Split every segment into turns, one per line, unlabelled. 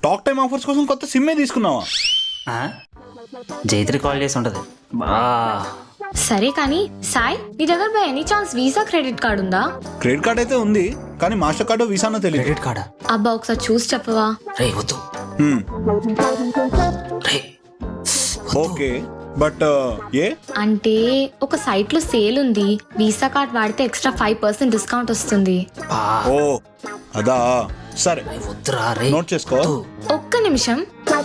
Talk time offers కోసం కొత్త సిమ్మే తీసుకున్నావా?
జైత్రి కాల్ చేసి ఉంటది.
సరే కానీ సాయి, నీ దగ్గర by any chance Visa credit card ఉందా?
క్రెడిట్ కార్డ్ అయితే ఉంది, కానీ మాస్టర్ కార్డు వీసానో తెలియదు.
క్రెడిట్ కార్డా?
అబ్బా ఒకసారి చూసి చెప్పవా?
రే వద్దు. రే
ఓకే, బట్ ఏ
అంటే ఒక సైట్ లో సేల్ ఉంది, వీసా కార్డ్ వాడితే ఎక్స్ట్రా 5% డిస్కౌంట్ వస్తుంది.
ఓ అదా, సరే
వద్దురా. రే
నోట్ చేసుకో.
ఒక్క నిమిషం.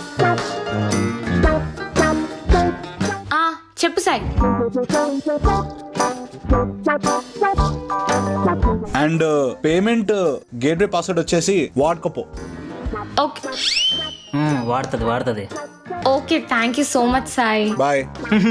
చెప్పు Sai.
And payment gateway password వచ్చేసి వాడుకోపో.
ఓకే
వాడుతుంది.
Okay, thank you so much Sai.
Bye.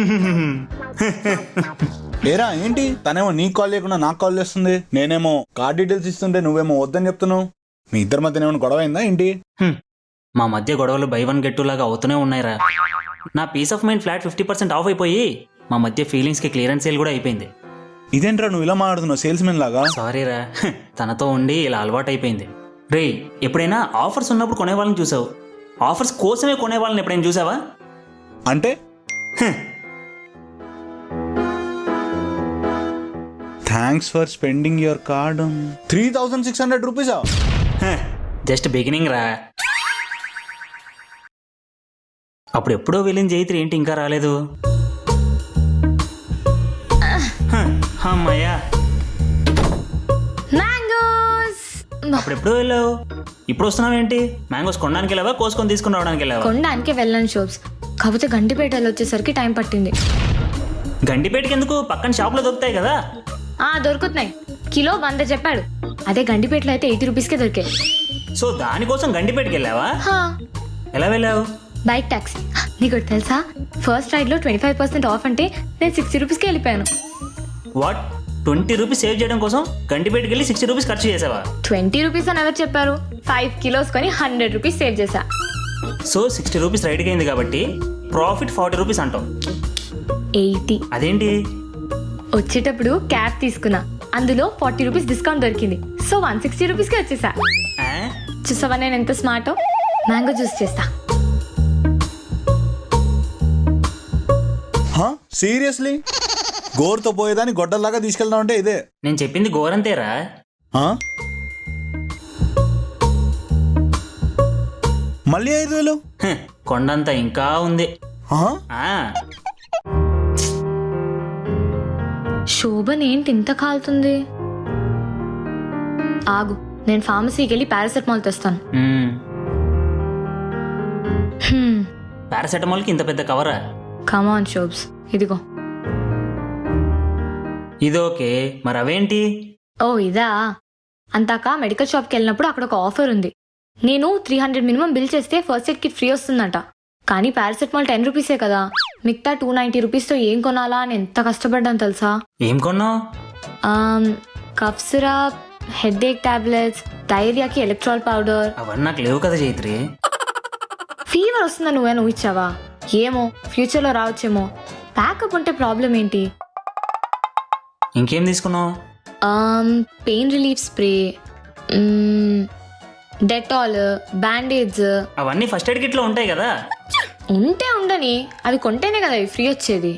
ఏరా ఏంటి, తనేమో నీకు కాల్ చేయకుండా నాకు కాల్ చేస్తుంది, నేనేమో కార్డ్ డీటెయిల్స్ ఇస్తుంటే నువ్వేమో వద్దని చెప్తున్నావు. మీ ఇద్దరి మధ్య ఏమైనా గొడవ అయిందా ఏంటి?
మా మధ్య గొడవలు బై వన్ గెట్ టూ లాగా అవుతూనే ఉన్నాయిరా. నా peace of mind flat 50% off అయిపోయి మా మధ్య ఫీలింగ్స్ కి క్లియరెన్స్ సేల్ కూడా అయిపోయింది.
ఇదేంట్రా నువ్వు ఇలా మాట్లాడుతున్నావు సేల్స్ మెన్ లాగా?
సారీరా, తనతో ఉండి ఇలా అలవాటు అయిపోయింది. రే ఎప్పుడైనా ఆఫర్స్ ఉన్నప్పుడు కొనే వాళ్ళని చూసావు, ఆఫర్స్ కోసమే కొనే వాళ్ళని ఎప్పుడైనా చూసావా?
అంటే thanks for spending your card. 3600 రూపీసా?
జస్ట్ బిగినింగ్ రా. అప్పుడు ఎప్పుడో వెళ్ళిన జైత్రి ఏంటి ఇంకా రాలేదు? అమ్మయ్యా,
మ్యాంగోస్.
అప్పుడు ఎప్పుడో వెళ్ళావు, ఇప్పుడు వస్తున్నావేంటి? మ్యాంగోస్ కొనడానికి వెళ్ళావా, కోసుకొని తీసుకుని రావడానికి వెళ్ళావా?
కొనడానికి వెళ్ళాను షోప్స్, కాకపోతే గండిపేటలో వచ్చేసరికి టైం పట్టింది.
గండిపేటకి ఎందుకు, పక్కన షాప్లో దొరుకుతాయి కదా.
దొరుకుతున్నాయి, కిలో 100 చెప్పాడు. అదే గండిపేటలో అయితే 80 రూపీస్కే దొరికాయి.
సో దానికోసం గండిపేటకి వెళ్ళావా? ఎలా వెళ్ళావు?
Bike taxi. నీకు తెలుసా, ఫస్ట్ రైడ్ లో 25% ఆఫ్ అంటే నేను 60 రూపీస్కి వెళ్ళిపోయాను.
వాట్, 20 రూపీస్ సేవ్ చేయడం కోసం గండిపేటకి వెళ్ళి 60 రూపీస్ ఖర్చు చేసావా?
20 రూపీస్ అని ఎవరు చెప్పారు? 5 కిలోస్ కొని 100 రూపీస్ సేవ్ చేశా.
సో 60 రూపీస్ రైడ్కి అయింది కాబట్టి ప్రాఫిట్ 40 రూపీస్ అంటాం.
80.
అదేంటి?
వచ్చేటప్పుడు క్యాబ్ తీసుకున్నా, అందులో 40 రూపీస్ డిస్కౌంట్ దొరికింది. సో 160 రూపీస్కి వచ్చేసా. చూసావా నేను ఎంత స్మార్టో? మ్యాంగో జ్యూస్ చేస్తా.
సీరియస్లీ? గోరుతో పోయేదాన్ని గొడ్డల్లాగా తీసుకెళ్దాం అంటే ఇదే?
నేను చెప్పింది గోరంతేరా.
మళ్ళీ 5000?
కొండంత ఇంకా ఉంది.
శోభన్ ఏంటి ఇంత కాలుతుంది? ఆగు, నేను ఫార్మసీకి వెళ్ళి పారాసెటమాల్ తెస్తాను.
పారాసెటమాల్కి ఇంత పెద్ద కవరా?
కమాన్ షోబ్స్, ఇదిగో.
ఇది ఓకే, మరి అవేంటి?
ఓ ఇదా, అంతాక మెడికల్ షాప్కి వెళ్ళినప్పుడు అక్కడ ఒక ఆఫర్ ఉంది. నేను 300 మినిమం బిల్ చేస్తే ఫస్ట్ ఎయిడ్ కిట్ ఫ్రీ వస్తుందంట. కానీ పారాసెటమాల్ 10 రూపీసే కదా, మిగతా 290 రూపీస్తో ఏం కొనాలా అని ఎంత కష్టపడ్డాను తెలుసా?
ఏం కొన్నావు?
Cough syrup, headache tablets, డైరియాకి ఎలక్ట్రాల్ పౌడర్.
అవన్నీ నాకు లేవు కదా జైత్రి.
ఫీవర్ వస్తుందా నువ్వు ఇచ్చావా? ఏమో, ఫ్యూచర్లో రావచ్చేమో. ప్యాకప్ ఉంటే ప్రాబ్లం ఏంటి?
ఇంకేం తీసుకున్నావు?
Pain relief spray, Dettol, bandage.
అవన్నీ ఫస్ట్ ఎయిడ్ కిట్ లో ఉంటాయి కదా.
ఉంటే ఉండని, అవి కొంటేనే కదా ఫ్రీ వచ్చేది.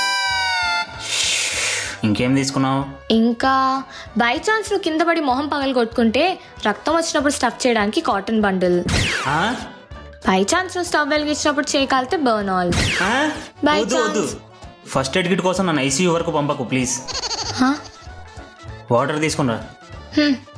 ఇంకేం తీసుకున్నావు?
ఇంకా బై ఛాన్స్ నువ్వు కింద పడి మొహం పగలు కొట్టుకుంటే రక్తం వచ్చినప్పుడు స్టఫ్ చేయడానికి కాటన్ బండిల్. బై ఛాన్స్ నువ్వు స్టవ్ వెలిగించినప్పుడు చేయగలితే Burnol. By chance
first aid kit కోసం నన్ను ICU వరకు పంపకు ప్లీజ్. వాటర్ తీసుకున్నా.